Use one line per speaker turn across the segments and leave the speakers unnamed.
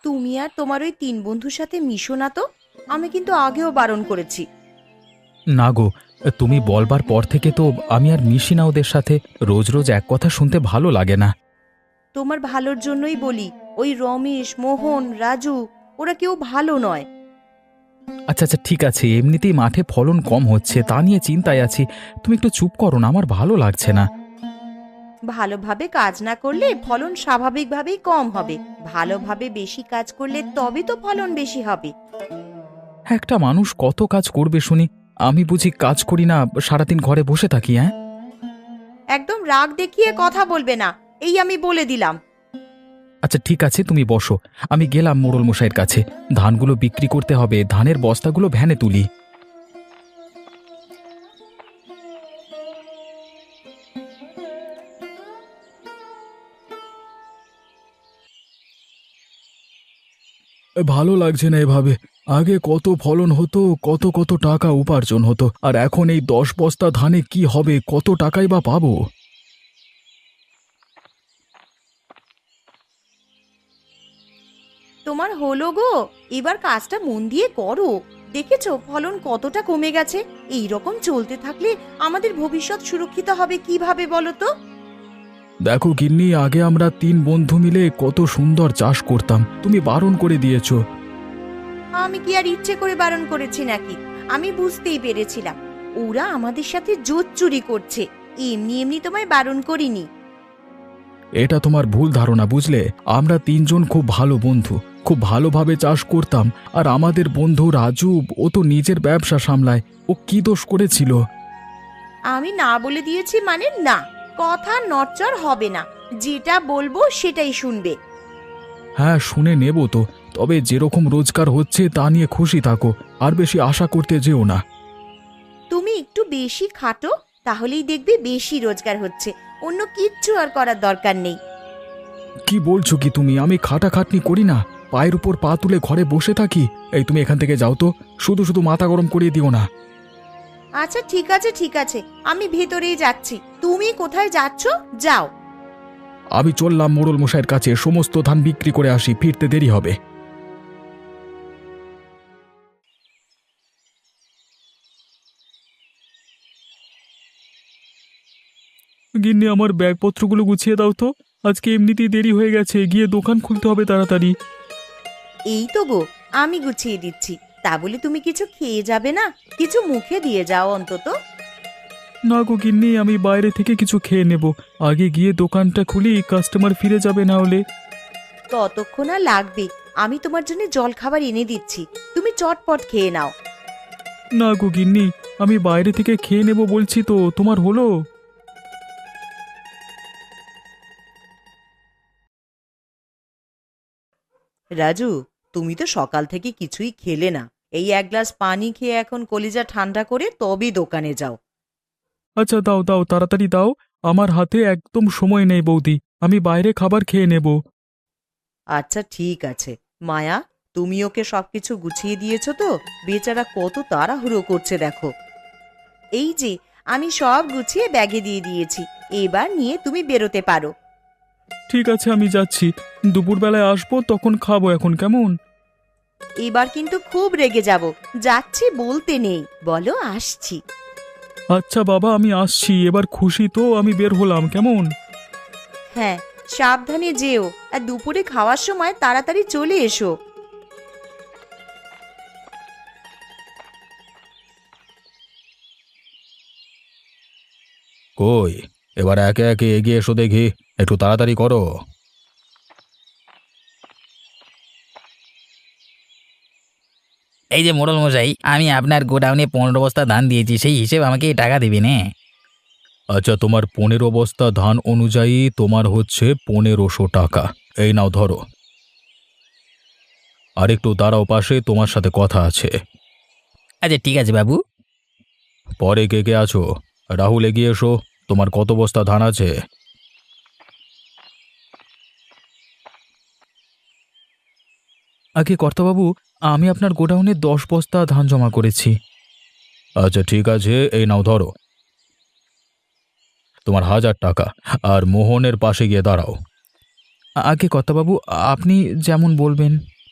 তুমি আর তোমার ওই তিন বন্ধুর সাথে মিশো না তো। আমি কিন্তু আগেও বারণ করেছি।
না গো, তুমি বলবার পর থেকে তো আমি আর মিশি না ওদের সাথে। রোজ রোজ এক কথা শুনতে ভালো লাগে না।
তোমার ভালোর জন্যই বলি, ওই রমেশ, মোহন, রাজু ওরা কেউ ভালো নয়।
আচ্ছা আচ্ছা, ঠিক আছে, এমনিতেই মাঠে ফলন কম হচ্ছে, তা নিয়ে চিন্তায় আছি। তুমি একটু চুপ করো না, আমার ভালো লাগছে না।
ভালোভাবে কাজ না করলে ফলন স্বাভাবিকভাবেই কম হবে। ভালোভাবে বেশি কাজ করলে তবে তো ফলন বেশি হবে।
একটা মানুষ কত কাজ করবে শুনি? আমি বুঝি কাজ করি না, সারাদিন ঘরে বসে থাকি? হ্যাঁ,
একদম রাগ দেখিয়ে কথা বলবে না, এই আমি বলে দিলাম।
আচ্ছা ঠিক আছে, তুমি বসো। আমি গেলাম মোড়ল মশাইয়ের কাছে। ধানগুলো বিক্রি করতে হবে, ধানের বস্তাগুলো ভ্যানে তুলি। ভালো লাগছে না এভাবে। আগে কত ফলন হতো, কত কত টাকা উপার্জন হতো, আর এখন এই 10 বস্তা ধানে কি হবে, কত টাকাই বা পাবো?
তোমার হলো গো, এবার কাজটা মন দিয়ে করো। দেখেছো ফলন কতটা কমে গেছে। এই রকম চলতে থাকলে আমাদের ভবিষ্যৎ সুরক্ষিত হবে কিভাবে বলো তো?
দেখো গিন্নি, আগে আমরা 3 বন্ধু মিলে কত সুন্দর চাষ করতাম, তুমি বারণ করে দিয়েছো।
আমি কি আর ইচ্ছে করে বারণ করেছি নাকি? আমি বুঝতেই পেরেছিলাম ওরা আমাদের সাথে জোট চুরি করছে। এমনি এমনি তোমায় বারণ করিনি।
এটা তোমার ভুল ধারণা, বুঝলে? আমরা 3জন খুব ভালো বন্ধু, খুব ভালোভাবে চাষ করতাম। আর আমাদের বন্ধু রাজু, ও তো নিজের ব্যবসা সামলায়, ও কি দোষ করেছিল?
আমি না বলে দিয়েছি মানে না, কথা নড়চড় হবে না। যেটা বলবো সেটাই শুনবে।
হ্যাঁ, শুনে নেব তো। তবে যেরকম রোজগার হচ্ছে তা নিয়ে খুশি থাকো, আর বেশি আশা করতে যেও না।
তুমি একটু বেশি খাটো, তাহলেই দেখবে বেশি রোজগার হচ্ছে। অন্য কিচ্ছু আর করার দরকার নেই।
কি বলছো কি তুমি? আমি খাটাখাটনি করি না, পায়ের উপর পা তুলে ঘরে বসে থাকি? এই তুমি এখান থেকে যাও তো, শুধু শুধু মাথা গরম করিয়ে দিও না।
আচ্ছা ঠিক আছে ঠিক আছে, আমি ভেতরেই যাচ্ছি। তুমি কোথায় যাচ্ছ? যাও।
আমি চললাম মোড়ল মশাইয়ের কাছে, সমস্ত ধান বিক্রি করে আসি, ফিরতে দেরি হবে। গিন্নি, আমার ব্যাগপত্রগুলো গুছিয়ে দাও তো। আজকে এমনিতেই দেরি হয়ে গেছে, গিয়ে দোকান খুলতে হবে তাড়াতাড়ি।
এই তো গো, আমি গুছিয়ে দিচ্ছি। তা বলে তুমি কিছু খেয়ে যাবে না? কিছু মুখে দিয়ে যাও অন্তত।
না গো গিন্নি, আমি বাইরে থেকে কিছু খেয়ে নেব। আগে গিয়ে দোকানটা খুলি, কাস্টমার ফিরে যাবে না হলে।
ততক্ষণ আর লাগবে, আমি তোমার জন্য জল খাবার এনে দিচ্ছি। তুমি চটপট খেয়ে নাও।
না গো গিন্নি, আমি বাইরে থেকে খেয়ে নেব বলছি তো, তোমার হলো?
রাজু, তুমি তো সকাল থেকে কিছুই খেলে না। এই এক গ্লাস পানি খেয়ে এখন কলিজা ঠান্ডা করে তবেই দোকানে যাও।
আচ্ছা দাও দাও, তাড়াতাড়ি দাও। আমার হাতে একদম সময় নেই বৌদি, আমি বাইরে খাবার খেয়ে নেব।
আচ্ছা ঠিক আছে। মায়া, তুমি ওকে সবকিছু গুছিয়ে দিয়েছো তো? বেচারা কত তাড়াহুড়ো করছে দেখো। এই যে, আমি সব গুছিয়ে ব্যাগে দিয়ে দিয়েছি। এবার নিয়ে তুমি বেরোতে পারো।
ঠিক আছে, আমি যাচ্ছি। দুপুরবেলায় আসবো, তখন খাবো, এখন কেমন?
এবার কিন্তু খুব রেগে যাব। যাচ্ছি বলতে নেই, বলো আসছি।
আচ্ছা বাবা, আমি আসছি। এবার খুশি তো, আমি বের হলাম, কেমন?
হ্যাঁ, সাবধানে যেও। আর দুপুরে খাওয়ার সময় তাড়াতাড়ি চলে এসো।
কই, এবার একে একে এগিয়ে এসো দেখি, একটু তাড়াতাড়ি করো।
এই যে মোড়ল মশাই, আমি আপনার গোডাউনে 15 বস্তা ধান দিয়েছি, সেই হিসেবে আমাকে টাকা দেবেন? হ্যাঁ।
আচ্ছা, তোমার 15 বস্তা ধান অনুযায়ী তোমার হচ্ছে 1500 টাকা। এই নাও ধরো। আর একটু দাঁড়াও পাশে, তোমার সাথে কথা আছে।
আচ্ছা ঠিক আছে বাবু।
পরে কে কে আছো? রাহুল, এগিয়ে এসো। তোমার কত বস্তা ধান আছে? আগে কর্তাবাবু, আমি আপনার গোডাউনে 10 বস্তা ধান জমা করেছি। আচ্ছা ঠিক আছে, এই নাও ধরো তোমার 1000 টাকা। আর মোহনের পাশে গিয়ে দাঁড়াও। আগে কর্তাবাবু, আপনি যেমন বলবেন।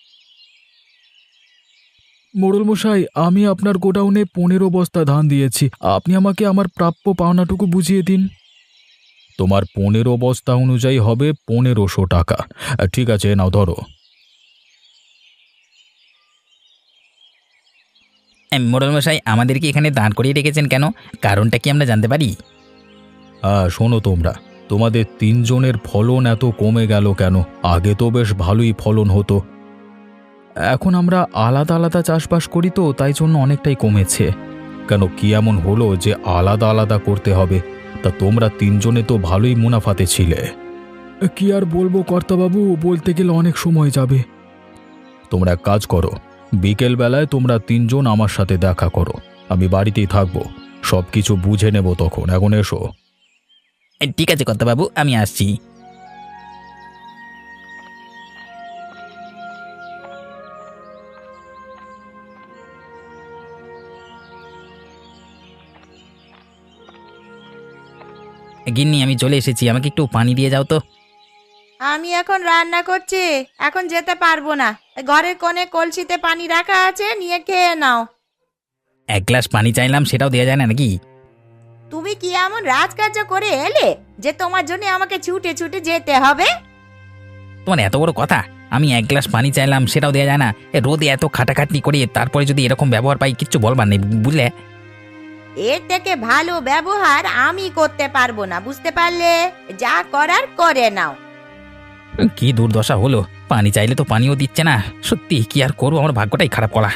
মোড়ল মশাই, আমি আপনার গোডাউনে 15 বস্তা ধান দিয়েছি। আপনি আমাকে আমার প্রাপ্য পাওনাটুকু বুঝিয়ে দিন। তোমার 15 বস্তা অনুযায়ী হবে 1500 টাকা। ঠিক আছে, নাও ধরো।
মোড়ল মশাই, আমাদেরকে এখানে দাঁড় করিয়ে রেখেছেন কেন? কারণটা কি আমরা জানতে পারি?
হ্যাঁ, শোনো তোমরা, তোমাদের 3জনের ফলন এত কমে গেল কেন? আগে তো বেশ ভালোই ফলন হতো। এখন আমরা আলাদা আলাদা চাষবাস করি তো, তাই জন্য অনেকটাই কমেছে। কেন, কি এমন হলো যে আলাদা আলাদা করতে হবে? তা তোমরা 3জনে তো ভালোই মুনাফাতে ছিলে। কি আর বলবো কর্তাবাবু, বলতে গেলে অনেক সময় যাবে। তোমরা এক কাজ করো, বিকেল বেলায় তোমরা 3জন আমার সাথে দেখা করো। আমি বাড়িতেই থাকবো, সব কিছু বুঝে নেব তখন। এখন এসো।
ঠিক আছে কর্তাবাবু, আমি আসছি। গিন্নি, আমি চলে এসেছি, আমাকে একটু পানি দিয়ে যাও তো।
আমি এখন রান্না করছি, এখন যেতে পারবো না। ঘরের কোণে কলসিতে পানি রাখা আছে, নিয়ে খেয়ে নাও।
এক গ্লাস পানি চাইলাম, সেটাও দেওয়া যায় না নাকি?
তুমি কি এমন রাজকার্য করে এলে যে তোমার জন্য আমাকে ছুটে ছুটে যেতে হবে?
তোমার এত বড় কথা! আমি এক গ্লাস পানি চাইলাম, সেটাও দেওয়া যায় না? রোদে এত খাটাখাটনি করে তারপরে যদি এরকম ব্যবহার পাই, কিচ্ছু বলবার নেই, বুঝলে?
এর থেকে ভালো ব্যবহার আমি করতে পারবো না, বুঝতে পারলে? যা করার করে নাও।
কি দুর্দশা হলো! পানি চাইলে তো পানিও দিচ্ছে না। সত্যি কি আর করবো, আমার ভাগ্যটাই খারাপ করা।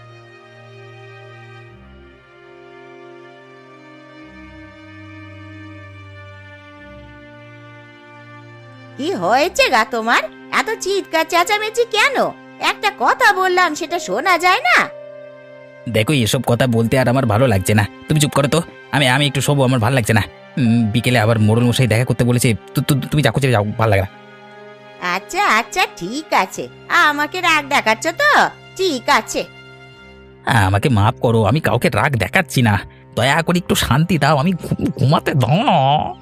কি হয়েছে গা তোমার? এত চিৎকার চেঁচামেচি কেন? একটা কথা বললাম, সেটা শোনা যায় না?
দেখো, এসব কথা বলতে আর আমার ভালো লাগছে না। তুমি চুপ করো তো। আমি আমি একটু শোবো, আমার ভালো লাগছে না। বিকেলে আবার মোড়ল মশাই দেখা করতে বলেছে। তুমি যাও, চলে যাও, ভালো লাগে না।
আচ্ছা আচ্ছা, ঠিক আছে। আমাকে রাগ দেখাচ্ছ তো? ঠিক আছে।
আমাকে মাফ করো, আমি কাউকে রাগ দেখাচ্ছি না। দয়া করে একটু শান্তি দাও, আমি ঘুমাতে দাও না।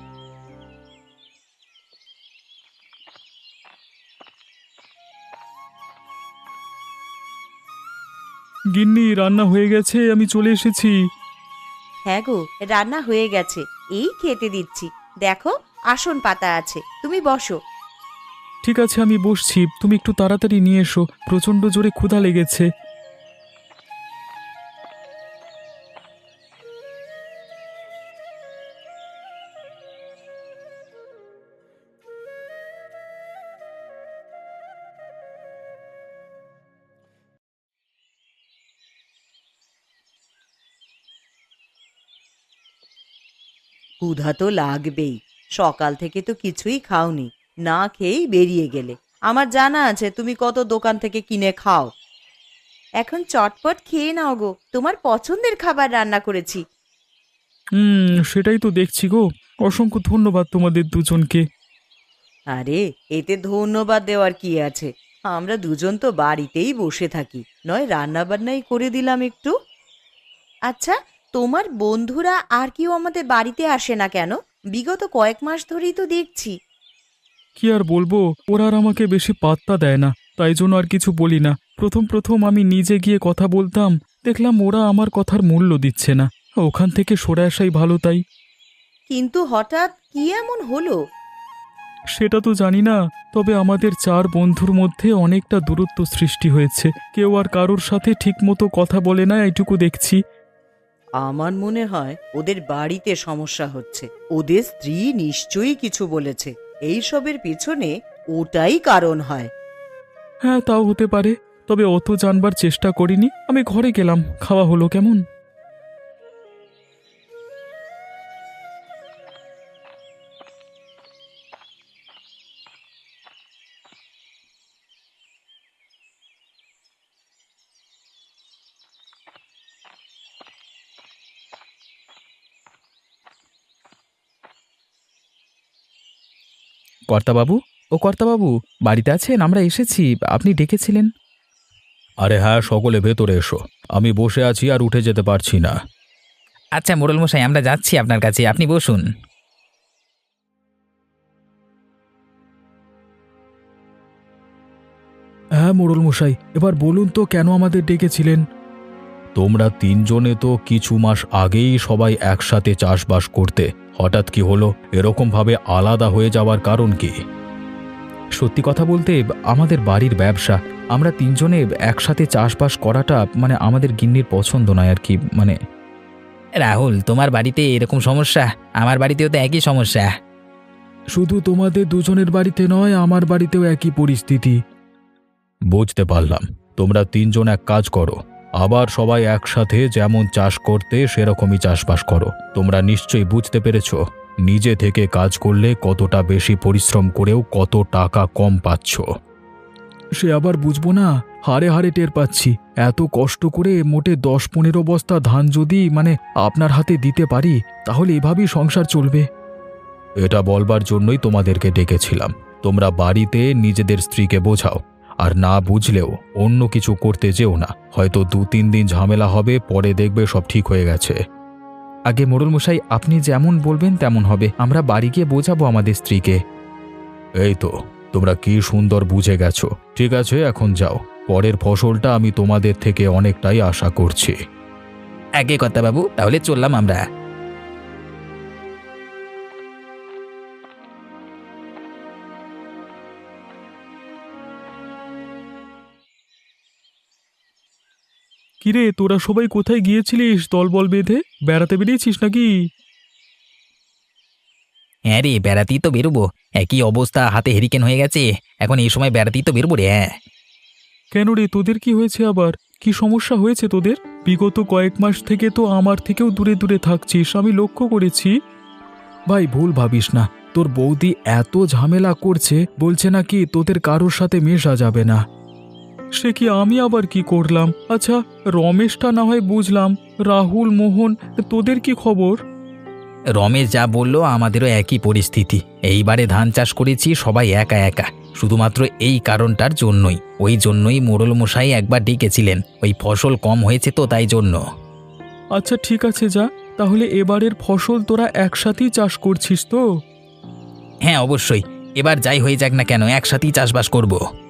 গিন্নি, রান্না হয়ে গেছে, আমি চলে এসেছি।
হ্যাঁ গো, রান্না হয়ে গেছে, এই খেতে দিচ্ছি। দেখো, আসন পাতা আছে, তুমি বসো।
ঠিক আছে, আমি বসছি। তুমি একটু তাড়াতাড়ি নিয়ে এসো, প্রচণ্ড জোরে ক্ষুধা লেগেছে।
ক্ষুধা তো লাগবেই, সকাল থেকে তো কিছুই খাওনি, না খেয়েই বেরিয়ে গেলে। আমার জানা আছে তুমি কত দোকান থেকে কিনে খাও। এখন চটপট খেয়ে নাও গো, তোমার পছন্দের খাবার রান্না করেছি।
সেটাই তো দেখছি গো। অসংখ্য ধন্যবাদ তোমাদের দুজনকে।
আরে, এতে ধন্যবাদ দেওয়ার কি আছে? আমরা দুজন তো বাড়িতেই বসে থাকি, নয় রান্না বান্নাই করে দিলাম একটু। আচ্ছা, তোমার বন্ধুরা আর কেউ আমাদের বাড়িতে আসে না কেন? বিগত কয়েক মাস ধরেই তো দেখছি।
কি আর বলবো, ওরা আর আমাকে বেশি পাত্তা দেয় না, তাই জন্য আর কিছু বলি না। প্রথম প্রথম আমি নিজে গিয়ে কথা বলতাম, দেখলাম ওরা আমার কথার মূল্য দিচ্ছে না। ওখান থেকে সরে আসাই ভালো তাই।
কিন্তু হঠাৎ কি এমন হলো?
সেটা তো জানি না, তবে আমাদের 4 বন্ধুর মধ্যে অনেকটা দূরত্ব সৃষ্টি হয়েছে। কেউ আর কারোর সাথে ঠিকমতো কথা বলে না, এইটুকু দেখছি।
আমার মনে হয় ওদের বাড়িতে সমস্যা হচ্ছে, ওদের স্ত্রী নিশ্চয়ই কিছু বলেছে। এই সবের পিছনে ওটাই কারণ হয়।
হ্যাঁ, তাও হতে পারে, তবে অত জানবার চেষ্টা করিনি। আমি ঘরে গেলাম, খাওয়া হলো কেমন। কর্তাবাবু, ও কর্তাবাবু, বাড়িতে আছেন? আমরা এসেছি, আপনি ডেকেছিলেন। আরে হ্যাঁ, সকলে ভেতরে এসো। আমি বসে আছি আর উঠে যেতে পারছি না।
আচ্ছা মোড়ল মশাই, আমরা যাচ্ছি আপনার কাছে, আপনি বসুন।
হ্যাঁ মোড়ল মশাই, এবার বলুন তো কেন আমাদের ডেকেছিলেন? তোমরা তিনজনে তো কিছু মাস আগেই সবাই একসাথে চাষবাস করতে, হঠাৎ কি হলো? এরকম ভাবে আলাদা হয়ে যাওয়ার কারণ কি? সত্যি কথা বলতে আমাদের বাড়ির ব্যবসা, আমরা তিনজনে একসাথে চাষবাস করাটা মানে আমাদের গিন্নির পছন্দ নয় আর কি। মানে
রাহুল, তোমার বাড়িতে এরকম সমস্যা, আমার বাড়িতেও তো একই সমস্যা।
শুধু তোমাদের দুজনের বাড়িতে নয়, আমার বাড়িতেও একই পরিস্থিতি। বুঝতে পারলাম। তোমরা তিনজন এক কাজ করো, আবার সবাই একসাথে যেমন চাষ করতে সেরকমই চাষবাস করো। তোমরা নিশ্চয়ই বুঝতে পেরেছো নিজে থেকে কাজ করলে কতটা বেশি পরিশ্রম করেও কত টাকা কম পাচ্ছ। সে আবার বুঝবো না, হারে হারে টের পাচ্ছি। এত কষ্ট করে মোটে 10-15 বস্তা ধান যদি আপনার হাতে দিতে পারি, তাহলে এভাবেই সংসার চলবে। এটা বলবার জন্যই তোমাদেরকে ডেকেছিলাম। তোমরা বাড়িতে নিজেদের স্ত্রীকে বোঝাও, আর না বুঝলেও অন্য কিছু করতে যেও না। হয়তো 2-3 দিন ঝামেলা হবে, পরে দেখবে সব ঠিক হয়ে গেছে। আগে মোড়ল মশাই, আপনি যেমন বলবেন তেমন হবে। আমরা বাড়ি গিয়ে বোঝাবো আমাদের স্ত্রীকে। এই তো, তোমরা কি সুন্দর বুঝে গেছো। ঠিক আছে, এখন যাও। পরের ফসলটা আমি তোমাদের থেকে অনেকটাই আশা করছি।
আগে কথা বাবু, তাহলে চললাম আমরা।
কিরে, তোরা সবাই কোথায় গিয়েছিলিস? দলবল বেঁধে বেড়াতে বেরিয়েছিস নাকি?
হ্যাঁ রে, বেড়াতেই তো বেরোবো। একই অবস্থা, হাতে হেরিকেন হয়ে গেছে। এখন এই সময় বেড়াতেই তো বেরোবো রে। হ্যাঁ।
কেন রে, তোদের কি হয়েছে আবার? কি সমস্যা হয়েছে তোদের? বিগত কয়েক মাস থেকে তো আমার থেকেও দূরে দূরে থাকছিস, আমি লক্ষ্য করেছি। ভাই, ভুল ভাবিস না। তোর বৌদি এত ঝামেলা করছে, বলছে নাকি তোদের কারোর সাথে মেশা যাবে না। সে কি, আমি আবার কি করলাম? আচ্ছা, রমেশটা না হয় বুঝলাম, রাহুল, মোহন, তোদের কি খবর?
রমেশ যা বললো আমাদেরও একই পরিস্থিতি। এইবারে ধান চাষ করেছি সবাই একা একা, শুধুমাত্র এই কারণটার জন্যই। ওই জন্যই মোড়ল মশাই একবার ডেকেছিলেন, ওই ফসল কম হয়েছে তো তাই জন্য।
আচ্ছা ঠিক আছে, যা তাহলে। এবারের ফসল তোরা একসাথেই চাষ করছিস তো?
হ্যাঁ অবশ্যই, এবার যাই হয়ে যাক না কেন একসাথেই চাষবাস করব।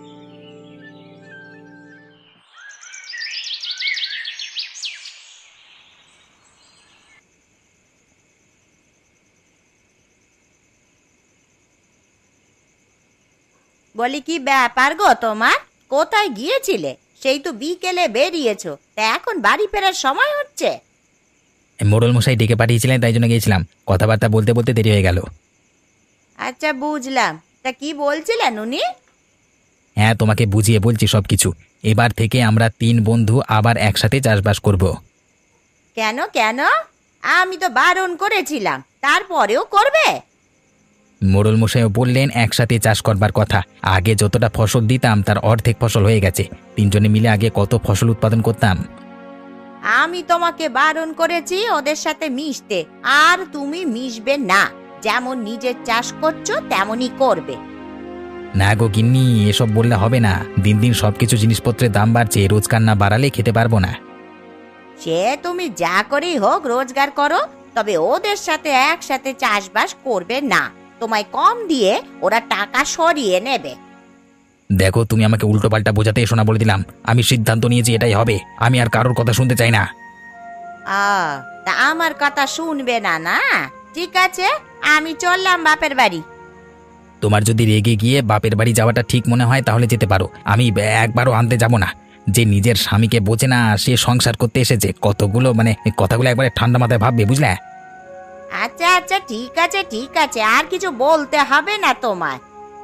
বলি, কি ব্যাপার গো তোমার? কোথায় গিয়েছিলে? সেই তো বিকেলে বেরিয়েছো, তা এখন বাড়ি ফেরার সময় হচ্ছে।
মোড়ল মশাই ডেকে পাঠিয়েছিলেন, তাই জন্য গিয়েছিলাম। কথাবার্তা বলতে বলতে দেরি হয়ে গেল।
আচ্ছা, বুঝলাম। তা কি বলছিলেন উনি?
হ্যাঁ, তোমাকে বুঝিয়ে বলছি সবকিছু। এবার থেকে আমরা 3 বন্ধু আবার একসাথে চাষবাস করব।
কেন কেন? আমি তো বারণ করেছিলাম, তারপরেও করবে?
মোড়ল মশাইও বললেন একসাথে চাষ করবার কথা। আগে যতটা ফসল দিতাম তার অর্ধেক ফসল হয়ে গেছে। 3 জনে মিলে আগে কত ফসল উৎপাদন করতাম।
আমি তোমাকে বারণ করেছি ওদের সাথে মিশতে, আর তুমি মিশবে না। যেমন নিজের চাষ করছো তেমনই করবে।
না গো গিন্নি, এসব বললে হবে না। দিন দিন সবকিছু জিনিসপত্রের দাম বাড়ছে, রোজগার না বাড়ালে খেতে পারবো না।
সে তুমি যা করেই হোক রোজগার করো, তবে ওদের সাথে একসাথে চাষবাস করবে না। তোমায় কম দিয়ে ওরা টাকা সরিয়ে নেবে।
দেখো, তুমি আমাকে উল্টো পাল্টা বোঝাতে এসো না, বলে দিলাম। আমি সিদ্ধান্ত নিয়েছি এটাই হবে। আমি আর কারোর কথা শুনতে চাই না।
তা আমার কথা শুনবে না? না, ঠিক আছে, আমি চললাম বাপের বাড়ি।
তোমার যদি রেগে গিয়ে বাপের বাড়ি যাওয়াটা ঠিক মনে হয় তাহলে যেতে পারো। আমি একবারও আনতে যাব না। যে নিজের স্বামীকে বোঝে না, সে সংসার করতে এসেছে। কথাগুলো একবারে ঠান্ডা মাথায় ভাববে, বুঝলে?
আচ্ছা আচ্ছা, ঠিক আছে ঠিক আছে, আর কিছু বলতে হবে না তোমায়।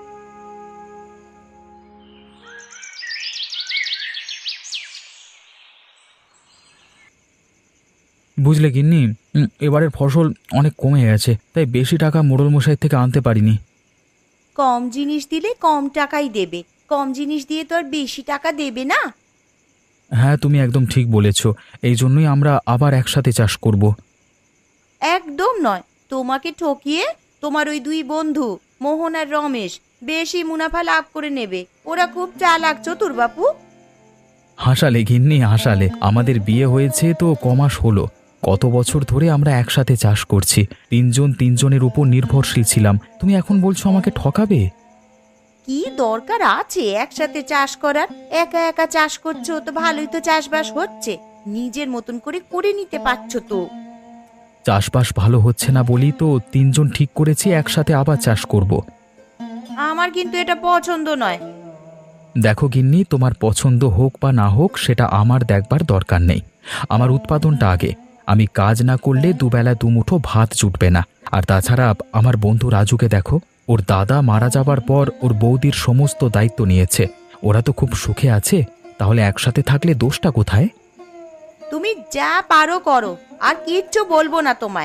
বুঝলে গিন্নি, এবারের ফসল অনেক কমে গেছে, তাই বেশি টাকা মোড়ল মশাই থেকে আনতে পারিনি।
কম জিনিস দিলে কম টাকাই দেবে, কম জিনিস দিয়ে তো আর বেশি টাকা দেবে না।
হ্যাঁ, তুমি একদম ঠিক বলেছ। এই জন্যই আমরা আবার একসাথে চাষ করব।
একদম নয়, তোমাকে ঠকিয়ে তোমার ওই 2 বন্ধু মোহন আর রমেশ বেশি মুনাফা লাভ করে নেবে। ওরা খুব চালাক, চতুর বাপু।
হাসালে গিন্নি, হাসালে। আমাদের বিয়ে হয়েছে তো কমাস হলো। কত বছর ধরে আমরা একসাথে চাষ করছি, 3 জন 3 জনের উপর নির্ভরশীল ছিলাম। তুমি এখন বলছো আমাকে ঠকাবে?
কি দরকার আছে একসাথে চাষ করার? একা একা চাষ করছো তো ভালোই তো চাষবাস হচ্ছে। নিজের মতন করে করে নিতে পারছো তো।
চাষবাস ভালো হচ্ছে না বলি তো তিনজন ঠিক করেছি একসাথে আবার চাষ করব।
আমার কিন্তু এটা পছন্দ নয়।
দেখো গিন্নি, তোমার পছন্দ হোক বা না হোক সেটা আমার দেখবার দরকার নেই। আমার উৎপাদনটা আগে। আমি কাজ না করলে দুবেলা দুমুঠো ভাত জুটবে না। আর তাছাড়া আমার বন্ধু রাজুকে দেখো, ওর দাদা মারা যাবার পর ওর বৌদির সমস্ত দায়িত্ব নিয়েছে। ওরা তো খুব সুখে আছে, তাহলে একসাথে থাকলে দোষটা কোথায়?
তুমি যা পারো করো, আর কিচ্ছু বলবো না তোমায়।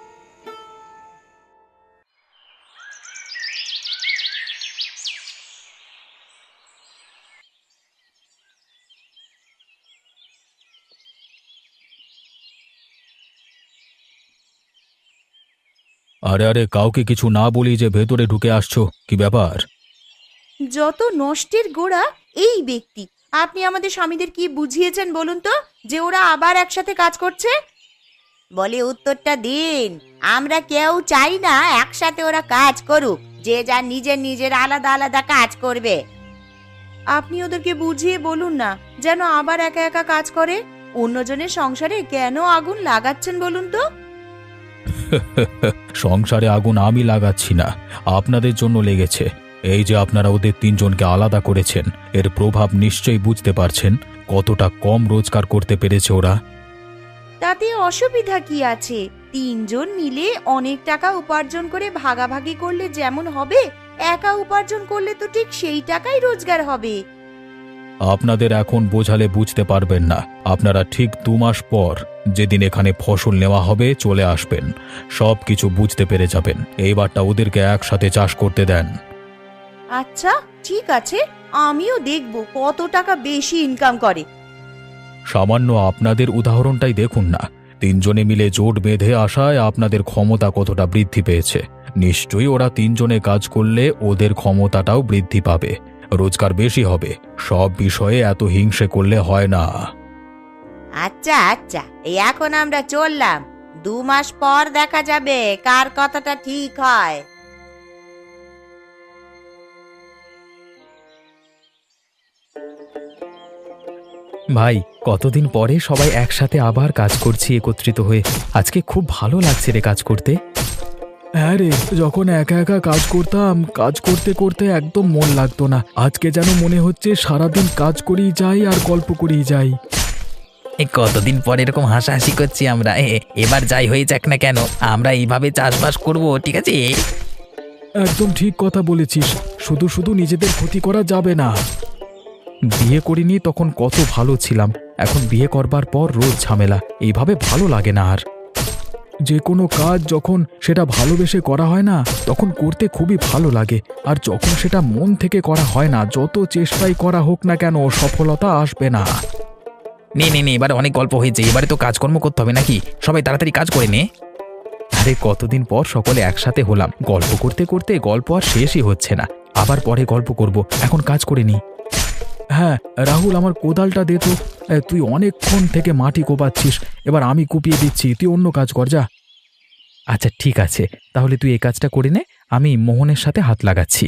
আরে আরে, কাউকে কিছু না বলি যে ভেতরে ঢুকে আসছো, কি ব্যাপার?
যত নষ্টের গোড়া এই ব্যক্তি। আপনি আমাদের স্বামীদের কি বুঝিয়েছেন বলুন তো, যে ওরা আবার একসাথে কাজ করছে? বলে উত্তরটা দিন। আমরা কেউ চাই না একসাথে ওরা কাজ করুক, যে যা নিজের নিজের আলাদা আলাদা কাজ করবে। আপনি ওদেরকে বুঝিয়ে বলুন না যেন আবার একা একা কাজ করে। অন্যজনের সংসারে কেন আগুন লাগাচ্ছেন বলুন তো?
সংসারে আগুন আমি লাগাচ্ছি না, আপনাদের জন্য লেগেছে। এই যে আপনারা ওদের তিনজনকে আলাদা করেছেন, এর প্রভাব নিশ্চয়ই বুঝতে পারছেন কতটা কম রোজগার করতে পেরেছে ওরা।
তাতে অসুবিধা কি আছে? তিনজন মিলে অনেক টাকা উপার্জন করে ভাগাভাগি করলে যেমন হবে, একা উপার্জন করলে তো ঠিক সেই টাকাই রোজগার হবে।
আপনাদের এখন বোঝালে বুঝতে পারবেন না। আপনারা ঠিক 2 মাস পর যেদিন এখানে ফসল নেওয়া হবে চলে আসবেন, সব কিছু বুঝতে পেরে যাবেন। এইবারটা ওদেরকে একসাথে চাষ করতে দেন।
আচ্ছা ঠিক আছে, আমিও দেখব কত টাকা বেশি ইনকাম করে।
সামান্য আপনাদের উদাহরণটাই দেখুন না, তিনজনে মিলে জোট বেঁধে আসায় আপনাদের ক্ষমতা কতটা বৃদ্ধি পেয়েছে। নিশ্চয়ই ওরা তিনজনে কাজ করলে ওদের ক্ষমতাটাও বৃদ্ধি পাবে, রোজগার বেশি হবে। সব বিষয়ে এত হিংসে করলে হয় না।
আচ্ছা আচ্ছা, এই এখন আমরা চললাম। 2 মাস পর দেখা যাবে কার কথাটা ঠিক হয়।
ভাই, কতদিন পরে সবাই একসাথে আবার কাজ করছি একত্রিত হয়ে। আজকে খুব ভালো লাগছে রে কাজ করতে। হ্যাঁ রে, যখন একা একা কাজ করতাম, কাজ করতে করতে একদম মন লাগতো না। আজকে যেন মনে হচ্ছে সারাদিন কাজ করেই যাই আর গল্প করেই যাই।
কতদিন পর এরকম হাসাহাসি করছি আমরা। এবার যাই হয়ে যাক না কেন, আমরা এইভাবে চাষবাস করব, ঠিক আছে?
একদম ঠিক কথা বলেছিস। শুধু শুধু নিজেদের ক্ষতি করা যাবে না। বিয়ে করিনি তখন কত ভালো ছিলাম, এখন বিয়ে করবার পর রোজ ঝামেলা। এইভাবে ভালো লাগে না আর। যে কোনো কাজ যখন সেটা ভালোবেসে করা হয় না, তখন করতে খুবই ভালো লাগে। আর যখন সেটা মন থেকে করা হয় না, যত চেষ্টাই করা হোক না কেন সফলতা আসবে না।
নে নে নে, এবারে অনেক গল্প হয়েছে, এবারে তো কাজকর্ম করতে হবে নাকি? সবাই তাড়াতাড়ি কাজ করে নে।
আরে কতদিন পর সকলে একসাথে হলাম, গল্প করতে করতে গল্প আর শেষই হচ্ছে না। আবার পরে গল্প করব, এখন কাজ করে নি। হ্যাঁ রাহুল, আমার কোদালটা দে তো। তুই অনেকক্ষণ থেকে মাটি কোপাচ্ছিস, এবার আমি কুপিয়ে দিচ্ছি, তুই অন্য কাজ কর যা। আচ্ছা ঠিক আছে, তাহলে তুই এই কাজটা করে নে, আমি মোহনের সাথে হাত লাগাচ্ছি।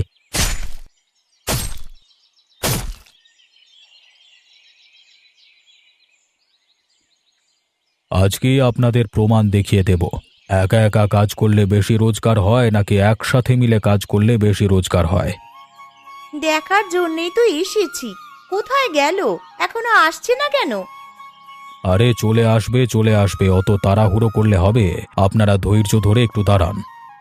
আজকেই আপনাদের প্রমাণ দেখিয়ে দেব, একা একা কাজ করলে বেশি রোজগার হয় নাকি একসাথে মিলে কাজ করলে বেশি রোজগার হয়।
দেখার জন্যই তো এসেছি। কোথায় গেল? এখনো আসছে না কেন?
আরে চলে আসবে চলে আসবে, অত তাড়াহুড়ো করলে হবে? আপনারা ধৈর্য ধরে একটু দাঁড়ান।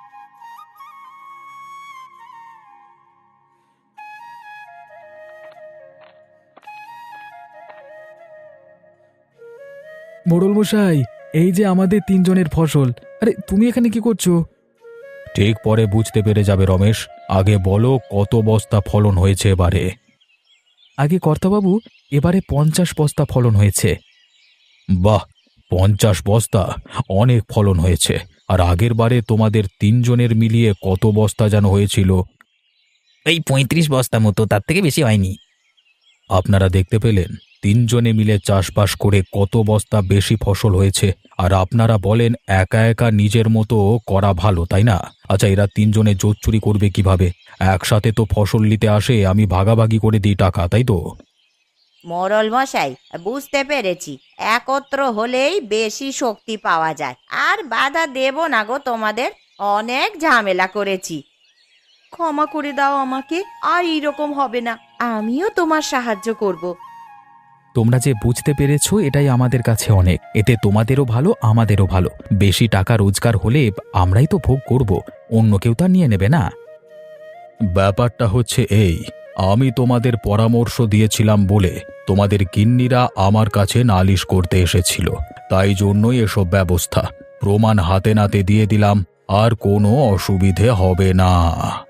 মোড়ল মশাই, এই যে আমাদের তিনজনের ফসল। আরে তুমি এখানে কি করছো? ঠিক পরে বুঝতে পেরে যাবে রমেশ। আগে বলো কত বস্তা ফলন হয়েছে এবারে? আগে কর্তাবাবু, এবারে 50 বস্তা ফলন হয়েছে। বাহ, 50 বস্তা! অনেক ফলন হয়েছে। আর আগের বারে তোমাদের তিনজনের মিলিয়ে কত বস্তা যেন হয়েছিল?
এই 35 বস্তা মতো, তার থেকে বেশি হয়নি।
আপনারা দেখতে পেলেন তিনজনে মিলে চাষবাস করে কত বস্তা বেশি ফসল হয়েছে। আর আপনারা বলেন একা একা নিজের মতো করা ভালো, তাই না? আচ্ছা, এরা তিনজনে জোট চুরি করবে কিভাবে? একসাথে তো ফসল নিতে আসে, আমি ভাগাভাগি করে দিই টাকা, তাই তো?
মোড়ল মশাই, বুঝতে পেরেছি, একত্র হলেই বেশি শক্তি পাওয়া যায়। আর বাধা দেব না গো তোমাদের, অনেক ঝামেলা করেছি। ক্ষমা করে দাও আমাকে, আর এইরকম হবে না, আমিও তোমার সাহায্য করব।
তোমরা যে বুঝতে পেরেছো এটাই আমাদের কাছে অনেক। এতে তোমাদেরও ভালো, আমাদেরও ভালো। বেশি টাকা রোজগার হলে আমরাই তো ভোগ করব, অন্য কেউ তা নিয়ে নেবে না। ব্যাপারটা হচ্ছে এই, আমি তোমাদের পরামর্শ দিয়েছিলাম বলে তোমাদের গিন্নিরা আমার কাছে নালিশ করতে এসেছিল, তাই জন্যই এসব ব্যবস্থা। প্রমাণ হাতে নাতে দিয়ে দিলাম, আর কোনো অসুবিধে হবে না।